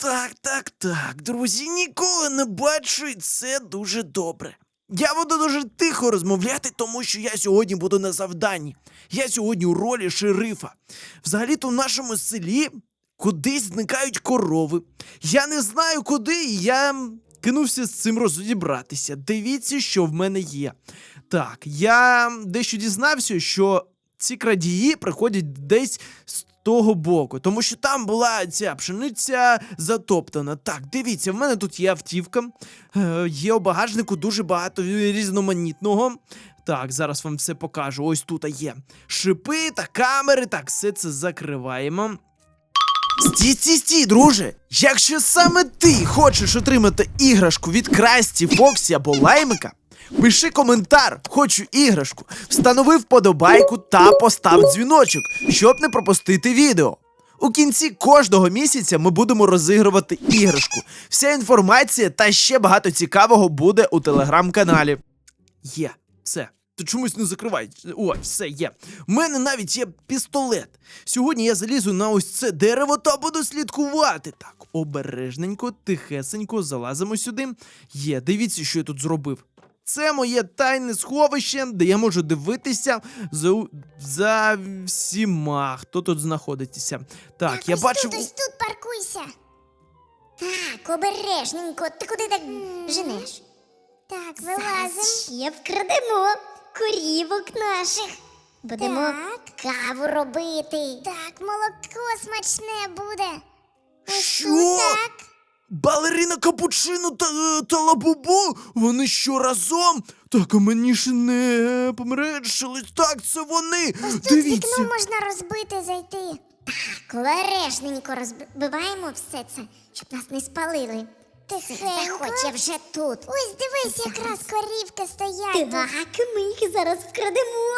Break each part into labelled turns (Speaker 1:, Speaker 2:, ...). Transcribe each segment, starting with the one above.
Speaker 1: Так, друзі, ніколи не бачу, і це дуже добре. Я буду дуже тихо розмовляти, тому що я сьогодні буду на завданні. Я сьогодні у ролі шерифа. Взагалі-то в нашому селі кудись зникають корови. Я не знаю куди, і я кинувся з цим розібратися. Дивіться, що в мене є. Так, я дещо дізнався, що ці крадії приходять десь з того боку, тому що там була ця пшениця затоптана. Так, дивіться, в мене тут є автівка, є у багажнику дуже багато різноманітного. Так, зараз вам все покажу. Ось тут є шипи та камери. Так, все це закриваємо. Стій, друже! Якщо саме ти хочеш отримати іграшку від Красті, Фоксі або Лаймика, пиши коментар «Хочу іграшку», встанови вподобайку та постав дзвіночок, щоб не пропустити відео. У кінці кожного місяця ми будемо розігрувати іграшку. Вся інформація та ще багато цікавого буде у телеграм-каналі. Є, все. Ти чомусь не закривай. Ой, все, є. У мене навіть є пістолет. Сьогодні я залізу на ось це дерево та буду слідкувати. Так, обережненько, тихесенько залазимо сюди. Є, дивіться, що я тут зробив. Це моє тайне сховище, де я можу дивитися за всіма, хто тут знаходиться. Так, я бачу...
Speaker 2: Ось тут паркуйся. Так, обережненько. Ти куди так женеш? Так, вилазимо. Ще вкрадемо корівок наших. Будемо каву робити. Так, молоко смачне буде. Ось
Speaker 1: Що?
Speaker 2: тут так.
Speaker 1: Балерина Капучино та Лабубу? Вони що, разом? Так, а мені ж не померещились. Так, це вони.
Speaker 2: Ось тут
Speaker 1: Дивіться.
Speaker 2: вікно можна розбити, зайти. Так, обережненько розбиваємо все це, щоб нас не спалили. Заходь, я вже тут. Ось дивись, якраз корівки стоять. Так, ми їх зараз вкрадемо.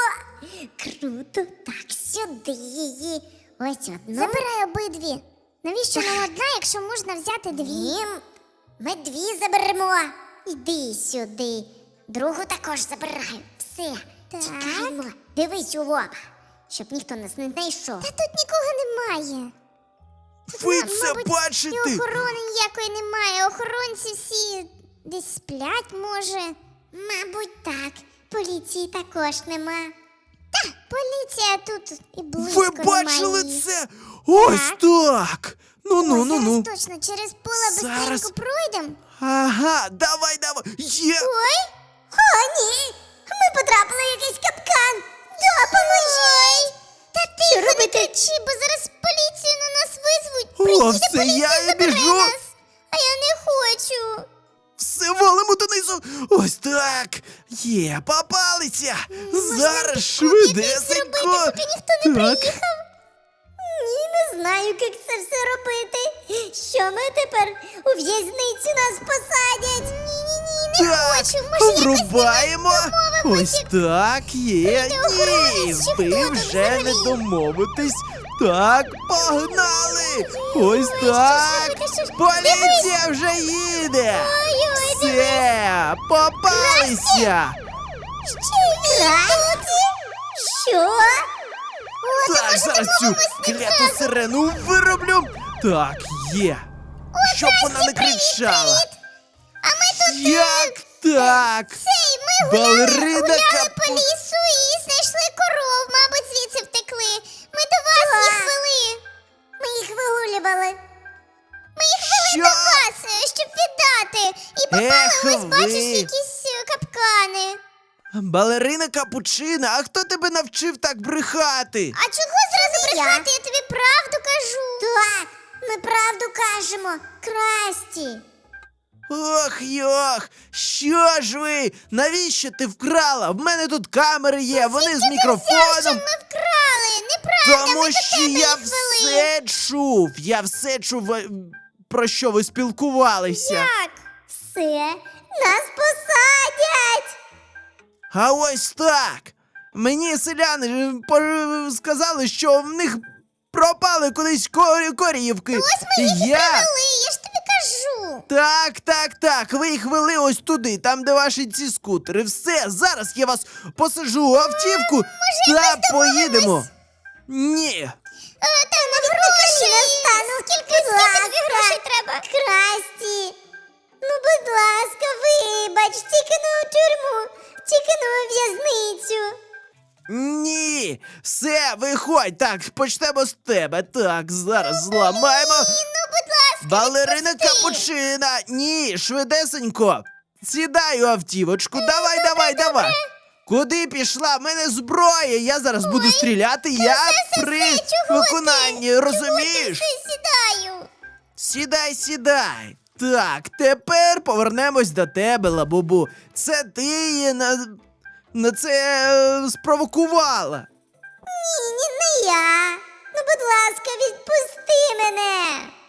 Speaker 2: Круто. Так, сюди її. Ось одну. Забирай обидві. Навіщо нам одна, якщо можна взяти дві? Ми дві заберемо. Іди сюди. Другу також забираю. Все, чекаємо. Дивись у лоб, щоб ніхто нас не знайшов. Та тут нікого немає.
Speaker 1: Ви це бачите?
Speaker 2: І охорони ніякої немає. Охоронці всі десь сплять, може. Мабуть, так. Поліції також нема. Та, поліція тут і близько
Speaker 1: Ви
Speaker 2: немає.
Speaker 1: бачили це? Ось так. Ну.
Speaker 2: Зараз точно через поле
Speaker 1: Зараз.
Speaker 2: быстренько пройдемо.
Speaker 1: Ага, давай. Є.
Speaker 2: Ой, о, ні. Ми потрапили в якийсь капкан. Допоможіть. Та тихо, не кричи, бо зараз поліцію на нас визвуть.
Speaker 1: О,
Speaker 2: Приїде
Speaker 1: все,
Speaker 2: поліція,
Speaker 1: я і
Speaker 2: забере
Speaker 1: біжу.
Speaker 2: нас. А я не хочу.
Speaker 1: Все валимо донизу. Ось так. Є, попалися. Зараз швидесенько.
Speaker 2: Поки ніхто не
Speaker 1: Так.
Speaker 2: приїхав. Ні, не знаю, як це все робити. Що ми тепер у в'язницю нас посадять? Ні, не
Speaker 1: Так,
Speaker 2: хочу. Може, якось
Speaker 1: врубаємо.
Speaker 2: домовимося?
Speaker 1: Ось так, є.
Speaker 2: Прийде охоронець, чи
Speaker 1: Ні, ви
Speaker 2: хто там
Speaker 1: вже не
Speaker 2: взагалі?
Speaker 1: домовитесь. Так, погнали. Ось
Speaker 2: Ой, що
Speaker 1: так.
Speaker 2: ж робити, що ж?
Speaker 1: Поліція вже їде.
Speaker 2: Ой-ой,
Speaker 1: Все, попалися.
Speaker 2: Красті? Що? О,
Speaker 1: Так, зараз цю кляту сирену вироблю. Так, є. Щоб вона не кричала.
Speaker 2: А ми тут
Speaker 1: Як так?
Speaker 2: цей, ми
Speaker 1: Балерина
Speaker 2: гуляли
Speaker 1: Капу-
Speaker 2: по лісу і знайшли коров, мабуть, звідси втекли. Ми до вас їх вели. Ми їх вигулювали. Ми їх вели
Speaker 1: Що?
Speaker 2: до вас, щоб віддати. І попали,
Speaker 1: Ех
Speaker 2: ось бачиш,
Speaker 1: ви.
Speaker 2: якісь капкани.
Speaker 1: Балерина Капучина, а хто тебе навчив так брехати?
Speaker 2: А чого зразу брехати? Я тобі правду кажу. Так, ми правду кажемо. Красті.
Speaker 1: Ох, що ж ви? Навіщо ти вкрала? В мене тут камери є, вони з
Speaker 2: Що
Speaker 1: мікрофоном.
Speaker 2: ми вкрали? Неправда,
Speaker 1: Тому
Speaker 2: ми до
Speaker 1: що
Speaker 2: тебе
Speaker 1: я
Speaker 2: їх вели.
Speaker 1: я все чув, про що ви спілкувалися.
Speaker 2: Як? Все, нас посадять.
Speaker 1: А ось так. Мені селяни сказали, що в них пропали кудись корівки.
Speaker 2: Ось ми їх і
Speaker 1: я...
Speaker 2: привели, я ж тобі кажу.
Speaker 1: Так, ви їх вели ось туди, там, де ваші ці скутери. Все, зараз я вас посажу у автівку та поїдемо. Ні.
Speaker 2: Та на гроші. Скільки тобі грошей треба?
Speaker 1: Ні, все, виходь. Так, почнемо з тебе. Так, зараз зламаємо.
Speaker 2: Ну, будь ласка,
Speaker 1: Балерина
Speaker 2: відпусти.
Speaker 1: Капучина! Ні, швидесенько! Сідай у автівочку, давай! Куди пішла? В мене зброя! Я зараз буду стріляти, я при виконанні, розумієш?
Speaker 2: Сідаю.
Speaker 1: Сідай! Так, тепер повернемось до тебе, Лабубу. Це ти її на це спровокувала.
Speaker 2: Ні, не я. Ну, будь ласка, відпусти мене.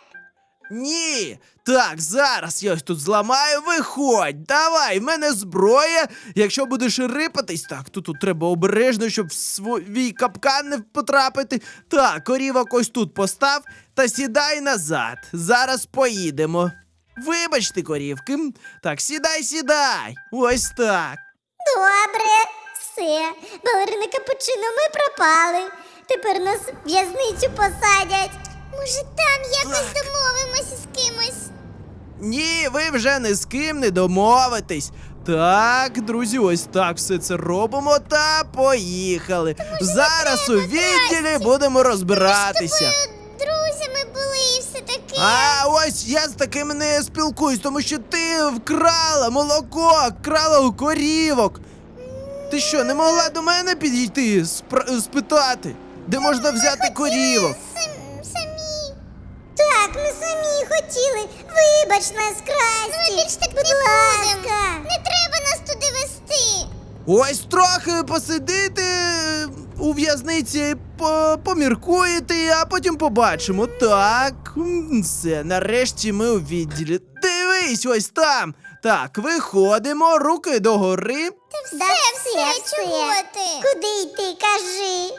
Speaker 1: Ні. Так, зараз я ось тут зламаю, виходь. Давай, в мене зброя. Якщо будеш рипатись, так, тут треба обережно, щоб в свій капкан не потрапити. Так, корівок ось тут постав та сідай назад. Зараз поїдемо. Вибачте, корівки. Так, сідай. Ось так.
Speaker 2: Добре, все. Балерина Капучино, ми пропали. Тепер нас в в'язницю посадять. Може, там якось
Speaker 1: Так.
Speaker 2: домовимося з кимось?
Speaker 1: Ні, ви вже ні з ким не домовитесь. Так, друзі, ось так все це робимо та поїхали. Зараз у відділі
Speaker 2: Красті.
Speaker 1: будемо розбиратися.
Speaker 2: Ми друзями були і все таке.
Speaker 1: А ось я з такими не спілкуюсь, тому що ти вкрала молоко, вкрала у корівок. Ти що, не могла до мене підійти, спитати, де можна взяти корівок?
Speaker 2: Самі. Так, ми самі хотіли. Вибач нас, Красті. Ми більш так будь ласка. Не треба нас туди вести.
Speaker 1: Ось трохи посидити у в'язниці, поміркуєте, а потім побачимо. Так, все, нарешті ми у відділі. Дивись, ось там. Так, виходимо, руки догори.
Speaker 2: Все, чого ти? Куди йти, кажи.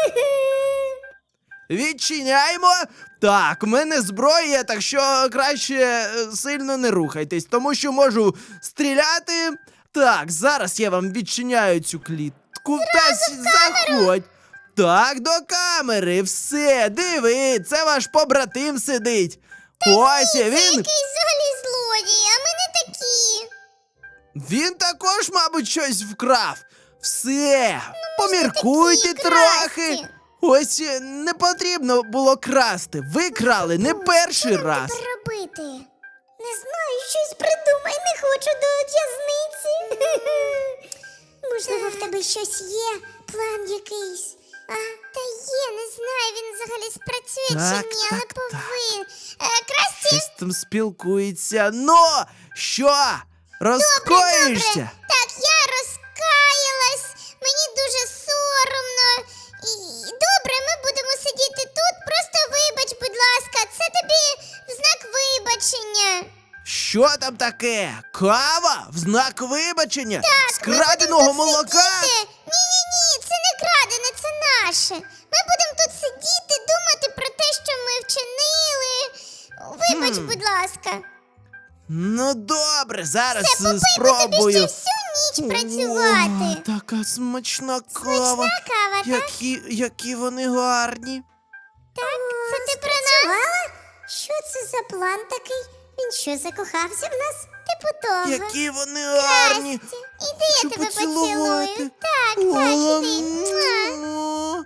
Speaker 1: Відчиняємо. Так, в мене зброя, так що краще сильно не рухайтесь, тому що можу стріляти. Так, зараз я вам відчиняю цю клітку. Заходь. Так, до камери, все, диви, це ваш побратим сидить. Ось він.
Speaker 2: Який взагалі злодій, а ми не такі.
Speaker 1: Він також, мабуть, щось вкрав. Все, поміркуйте
Speaker 2: такі
Speaker 1: трохи.
Speaker 2: красті.
Speaker 1: Ось не потрібно було красти. Ви крали не перший
Speaker 2: Що нам
Speaker 1: раз.
Speaker 2: тепер робити? Не знаю, щось придумай, не хочу до в'язниці. Можливо, в тебе щось є, план якийсь. Та є, не знаю, він взагалі спрацює
Speaker 1: Так,
Speaker 2: чи ні, але
Speaker 1: так, так.
Speaker 2: повинен. Красті,
Speaker 1: Щось там спілкується. Ну, що? Розкоїшся?
Speaker 2: добре. Так, я розкаялась, мені дуже соромно. І добре, ми будемо сидіти тут, просто вибач, будь ласка, це тобі в знак вибачення.
Speaker 1: Що там таке? Кава? В знак вибачення? З
Speaker 2: Ми
Speaker 1: краденого
Speaker 2: будемо тут
Speaker 1: молока?
Speaker 2: сидіти. Ні, це не крадене, це наше. Ми будемо тут сидіти, думати про те, що ми вчинили. Вибач, будь ласка.
Speaker 1: Ну добре, зараз
Speaker 2: Це попий, бо тобі
Speaker 1: спробую.
Speaker 2: ще всю ніч працювати.
Speaker 1: О, така смачна кава.
Speaker 2: Смачна кава, так?
Speaker 1: Які вони гарні.
Speaker 2: Так, це ти про нас? Що це за план такий? Він що, закохався в нас? Типу того.
Speaker 1: Які вони гарні.
Speaker 2: Красті, іди, я
Speaker 1: Хочу
Speaker 2: тебе
Speaker 1: поцілувати.
Speaker 2: поцілую. Так, іди. Муа.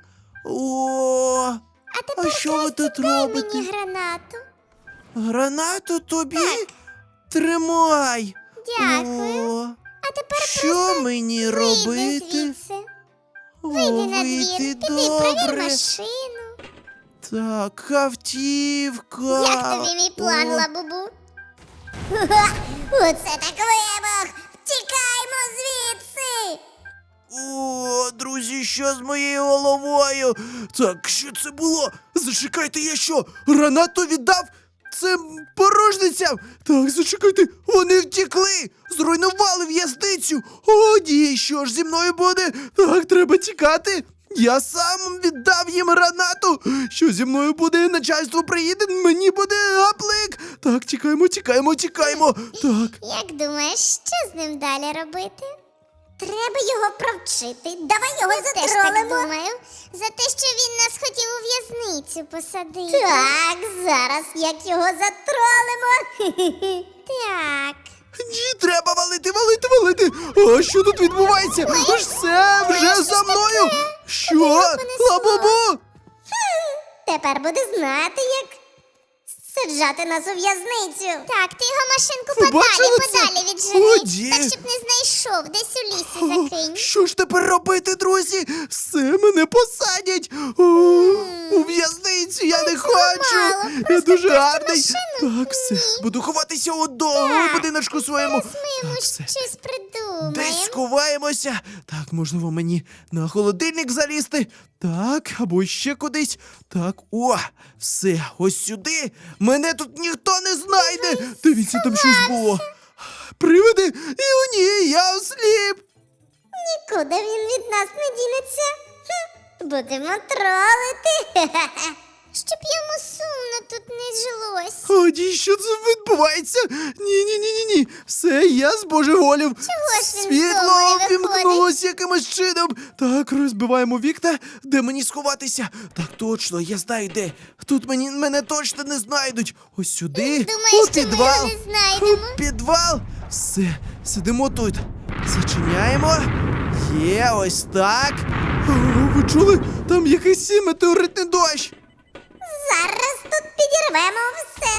Speaker 1: О,
Speaker 2: А тепер,
Speaker 1: що ви
Speaker 2: Красті,
Speaker 1: тут
Speaker 2: дай
Speaker 1: робите?
Speaker 2: мені гранату.
Speaker 1: гранату тобі? Тримай.
Speaker 2: Дякую.
Speaker 1: О,
Speaker 2: А тепер
Speaker 1: що мені
Speaker 2: вийди
Speaker 1: робити?
Speaker 2: звідси.
Speaker 1: О,
Speaker 2: Вийди на двір,
Speaker 1: вийти,
Speaker 2: піди, провір
Speaker 1: добре.
Speaker 2: машину.
Speaker 1: Так, автівка.
Speaker 2: Як тобі мій план,
Speaker 1: О,
Speaker 2: Лабубу? Оце так вибух! Тікаймо звідси!
Speaker 1: О, друзі, що з моєю головою? Так, що це було? Зачекайте, я що? Гранату віддав? Це порожницям? Так, зачекайте, вони втекли! Зруйнували в'язницю! О, ні, що ж зі мною буде? Так, треба тікати! Я сам віддав їм гранату! Що зі мною буде? Начальство приїде, мені буде гаплик! Так, тікаємо! Так.
Speaker 2: Як думаєш, що з ним далі робити? Треба його провчити. Давай його затролимо. Теж так думаю. За те, що він нас хотів у в'язницю посадити. Так, зараз як його затролимо. Так.
Speaker 1: Ні, треба валити! А що тут відбувається? Все, вже за мною! Що?
Speaker 2: понесло?
Speaker 1: Лабубу!
Speaker 2: Тепер буде знати, як саджати нас у в'язницю. Так, ти його машинку
Speaker 1: бачили це?
Speaker 2: подалі віджени.
Speaker 1: Годі.
Speaker 2: Так, щоб не знайшов, десь у лісі закинь.
Speaker 1: Що ж тепер робити, друзі? Все, мене посадять у в'язницю, я не хочу.
Speaker 2: мало,
Speaker 1: Я
Speaker 2: просто
Speaker 1: дуже
Speaker 2: просто
Speaker 1: гарний.
Speaker 2: машину.
Speaker 1: Так, все, буду ховатися у будиночку своєму.
Speaker 2: Зараз ми йому
Speaker 1: Так, все.
Speaker 2: щось придумаємо.
Speaker 1: Десь сховаємося. Так, можливо, мені на холодильник залізти. Так, або ще кудись. Так, о, все, ось сюди. Мене тут ніхто не знайде. Дивіться, там щось було. Привиди, і о ні, я осліп.
Speaker 2: Нікуди він від нас не дінеться. Будемо тролити. Щоб йому сумно тут не жилось.
Speaker 1: О, ні, що це відбувається? Ні. Все, я збожеволів.
Speaker 2: Чого ж він
Speaker 1: Світло
Speaker 2: знову не
Speaker 1: вимкнулось якимось чином. Так, розбиваємо вікна. Де мені сховатися? Так, точно, я знаю де. Тут мене точно не знайдуть. Ось сюди.
Speaker 2: Думаєш,
Speaker 1: у
Speaker 2: що ми
Speaker 1: підвал.
Speaker 2: його не знайдемо?
Speaker 1: У підвал. Все, сидимо тут. Зачиняємо. Є, ось так. О, ви чули? Там якийсь метеоритний дощ.
Speaker 2: Зараз тут підірвемо все.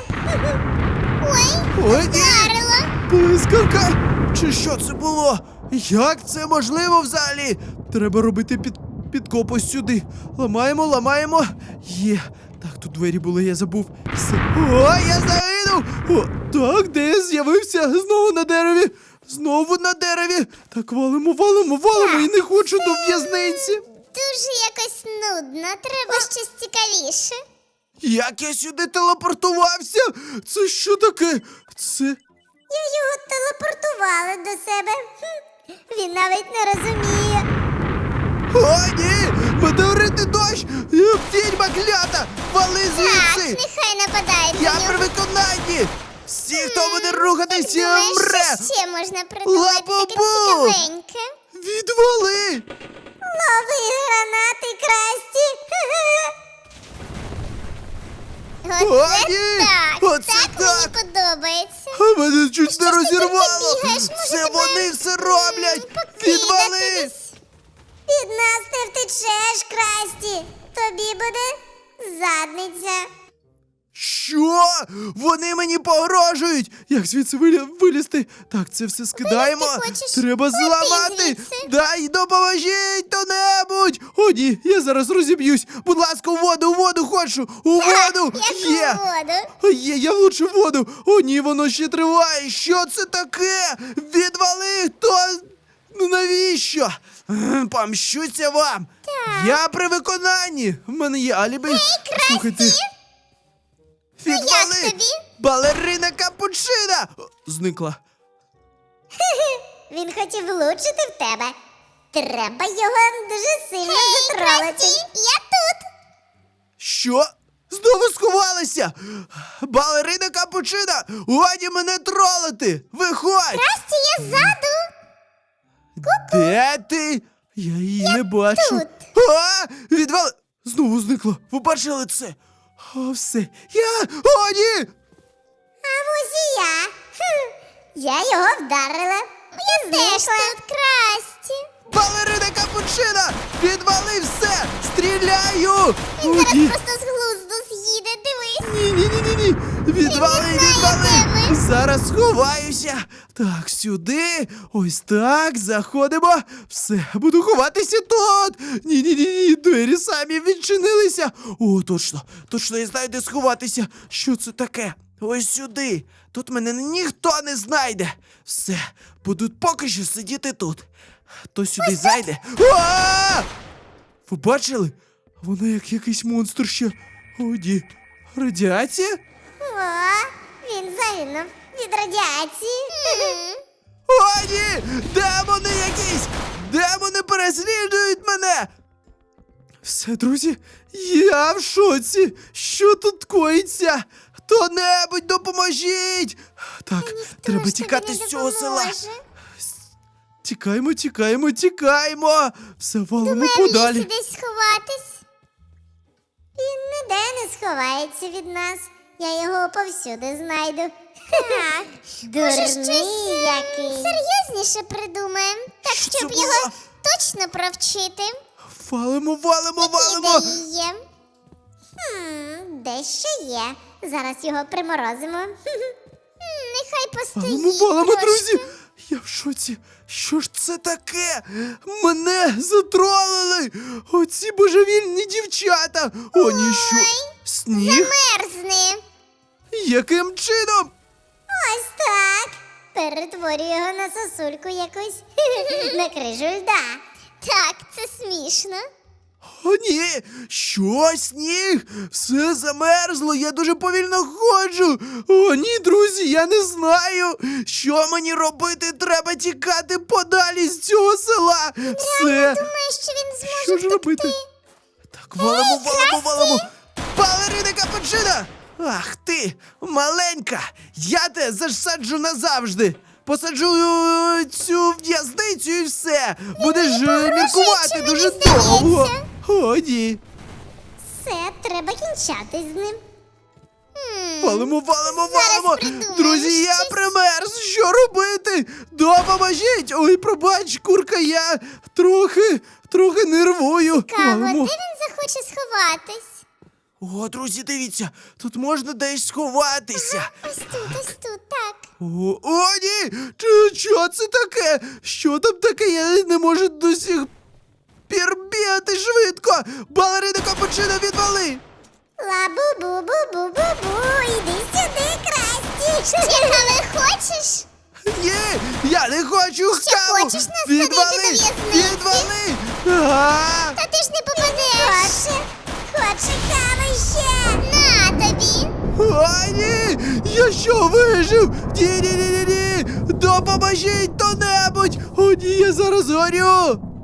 Speaker 2: Ой,
Speaker 1: Ой, ні.
Speaker 2: вдарило.
Speaker 1: Блискавка! Чи що це було? Як це можливо взагалі? Треба робити підкоп ось сюди. Ламаємо. Є. Так, тут двері були, я забув. Все. О, я загинув! О, так, де я з'явився? Знову на дереві. Знову на дереві. Так, валимо і не хочу до в'язниці.
Speaker 2: Дуже якось нудно. Треба щось цікавіше.
Speaker 1: Як я сюди телепортувався? Це що таке? Це.
Speaker 2: Я його телепортувала до себе. Він навіть не розуміє.
Speaker 1: О, ні! Метеоритний дощ! Відьма клята! Вали
Speaker 2: Так,
Speaker 1: звідси!
Speaker 2: нехай нападають
Speaker 1: Я
Speaker 2: на
Speaker 1: при
Speaker 2: нього.
Speaker 1: виконанні! Всі, хто буде рухатись,
Speaker 2: Думаєш,
Speaker 1: мре!
Speaker 2: що ще можна придумати таке
Speaker 1: Лабубу!
Speaker 2: цікавеньке?
Speaker 1: Відвали!
Speaker 2: Лови гранати, Красті!
Speaker 1: О, ні!
Speaker 2: так!
Speaker 1: Оце
Speaker 2: так
Speaker 1: так!
Speaker 2: мені подобається.
Speaker 1: А мене чуть
Speaker 2: Що
Speaker 1: не
Speaker 2: ж ти тут
Speaker 1: розірвало!
Speaker 2: бігаєш? Може,
Speaker 1: Це
Speaker 2: тебе,
Speaker 1: вони все роблять!
Speaker 2: покидати
Speaker 1: Відвали!
Speaker 2: десь? Від нас не втечеш, Красті! Тобі буде задниця.
Speaker 1: Що? Вони мені погрожують! Як звідси вилізти? Так, це все скидаємо.
Speaker 2: хочеш?
Speaker 1: Треба
Speaker 2: Лети
Speaker 1: зламати.
Speaker 2: звідси.
Speaker 1: Дай допоможіть хто-небудь! О, ні, я зараз розіб'юсь. Будь ласка, у воду хочу! У воду!
Speaker 2: Яку
Speaker 1: Є!
Speaker 2: воду?
Speaker 1: Є, я влучив воду! О, ні, воно ще триває! Що це таке? Відвали! Хто? Ну навіщо? Помщуся вам! Я при виконанні! В мене є алібі. Слухайте. Відвали!
Speaker 2: як тобі?
Speaker 1: Балерина капучина! О, зникла.
Speaker 2: Він хотів влучити в тебе. Треба його дуже сильно затролити. Я тут.
Speaker 1: Що? Знову сховалися! Балерина капучина! Годі мене тролити! Виходь!
Speaker 2: Красті, я ззаду.
Speaker 1: Де ти? Я її не бачу.
Speaker 2: тут.
Speaker 1: А! Відвали! Знову зникла. Ви бачили це? О, все. О, ні!
Speaker 2: А ось і я. Я його вдарила. Я знайшла. Тут Красті.
Speaker 1: Балерина капучина! Відвали все! Стріляю! О,
Speaker 2: Зараз
Speaker 1: ні!
Speaker 2: просто з глузду з'їде, дивись.
Speaker 1: Ні! Відвали!
Speaker 2: де ми.
Speaker 1: Зараз сховаюся! Так, сюди! Ось так, заходимо! Все, буду ховатися тут! Ні, двері самі відчинилися! О, точно, я знаю, де сховатися! Що це таке? Ось сюди! Тут мене ніхто не знайде! Все, буду поки що сидіти тут. Хто сюди зайде? А! Ви бачили? Вона як якийсь монстр ще. О, ні. Радіація?
Speaker 2: О, він загинув від радіації.
Speaker 1: О, ні! Демони якісь! Демони переслідують мене! Все, друзі, я в шоці! Що тут коїться? Хто-небудь допоможіть! Так, треба
Speaker 2: Хто ж
Speaker 1: тікати
Speaker 2: тобі
Speaker 1: з
Speaker 2: не
Speaker 1: цього села.
Speaker 2: допоможе?
Speaker 1: Тікаємо! Все, валимо
Speaker 2: Думаю, в
Speaker 1: подалі.
Speaker 2: лісі десь сховатись. Він ніде не сховається від нас. Я його повсюди знайду. Так, дурний який. Серйозніше придумаємо, так
Speaker 1: Що
Speaker 2: щоб
Speaker 1: це
Speaker 2: його
Speaker 1: було?
Speaker 2: точно провчити.
Speaker 1: Валимо, валимо,
Speaker 2: Які
Speaker 1: валимо!
Speaker 2: ідеї є? Дещо є. Зараз його приморозимо. Нехай
Speaker 1: Валимо,
Speaker 2: постоїть
Speaker 1: валимо,
Speaker 2: трошки.
Speaker 1: друзі! Я в шоці! Що ж це таке? Мене затролили! Оці божевільні дівчата! О, ні, що? Сніг?
Speaker 2: Мерзне.
Speaker 1: Яким чином?
Speaker 2: Ось так. Перетворюю його на сосульку якусь. На крижу льда. Так, це смішно.
Speaker 1: О, ні! Що, сніг? Все замерзло, я дуже повільно ходжу. О, ні, друзі, я не знаю. Що мені робити? Треба тікати подалі з цього села. Все.
Speaker 2: Думаю, що він зможе
Speaker 1: Що ж
Speaker 2: втекти.
Speaker 1: робити? Так, валимо, валимо, валимо. Балерина Капучино! Ах ти, маленька! Я те засаджу назавжди! Посаджу цю в'язницю і все! Будеш міркувати
Speaker 2: мені
Speaker 1: дуже
Speaker 2: здається.
Speaker 1: довго! О, ні!
Speaker 2: Все, треба кінчати з ним.
Speaker 1: Валимо, валимо, валимо!
Speaker 2: придумаємо
Speaker 1: Друзі, я
Speaker 2: щось.
Speaker 1: примерз! Що робити? Допоможіть! Ой, пробач, курка, я трохи нервую!
Speaker 2: Каво, де
Speaker 1: Валимо.
Speaker 2: він захоче сховатись?
Speaker 1: О, друзі, дивіться, тут можна десь сховатися.
Speaker 2: Ось тут, так.
Speaker 1: О, ні! Що це таке? Що там таке? Я не можу до сих пір бігати швидко! Балерина Капучино, відвали!
Speaker 2: Ла-бу-бу-бу-бу-бу-бу, іди сюди, Красті. Але хочеш?
Speaker 1: Ні! Я не хочу каву!
Speaker 2: хочеш нас садити до в'язниці?
Speaker 1: Відвали! А!
Speaker 2: Та ти ж не попадеш. Хоче кави ще. На тобі.
Speaker 1: Ой, ні! Я що, вижив? Ні! Допоможіть хто-небудь! О, ні, я зараз горю!